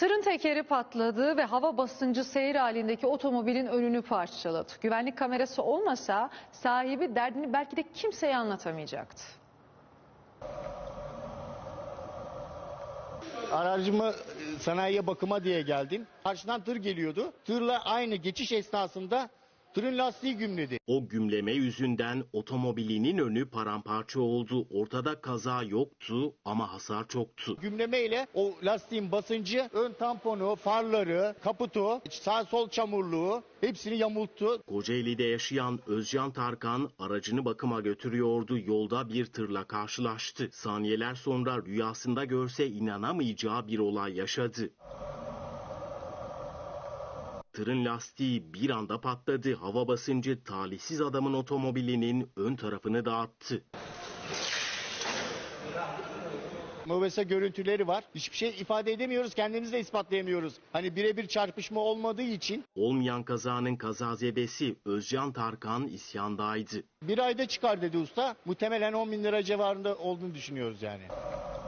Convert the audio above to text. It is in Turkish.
Tırın tekeri patladı ve hava basıncı seyir halindeki otomobilin önünü parçaladı. Güvenlik kamerası olmasa sahibi derdini belki de kimseye anlatamayacaktı. Aracımı sanayiye bakıma diye geldim. Karşıdan tır geliyordu. Tırla aynı geçiş esnasında tırın lastiği gümledi. O gümleme yüzünden otomobilinin önü paramparça oldu. Ortada kaza yoktu ama hasar çoktu. Gümlemeyle o lastiğin basıncı ön tamponu, farları, kaputu, sağ sol çamurluğu hepsini yamulttu. Kocaeli'de yaşayan Özcan Tarkan aracını bakıma götürüyordu. Yolda bir tırla karşılaştı. Saniyeler sonra rüyasında görse inanamayacağı bir olay yaşadı. Tırın lastiği bir anda patladı. Hava basıncı talihsiz adamın otomobilinin ön tarafını dağıttı. MOBESE görüntüleri var. Hiçbir şey ifade edemiyoruz, kendimizi de ispatlayamıyoruz. Hani birebir çarpışma olmadığı için. Olmayan kazanın kazazedesi Özcan Tarkan isyandaydı. Bir ayda çıkar dedi usta. Muhtemelen 10.000 lira civarında olduğunu düşünüyoruz yani.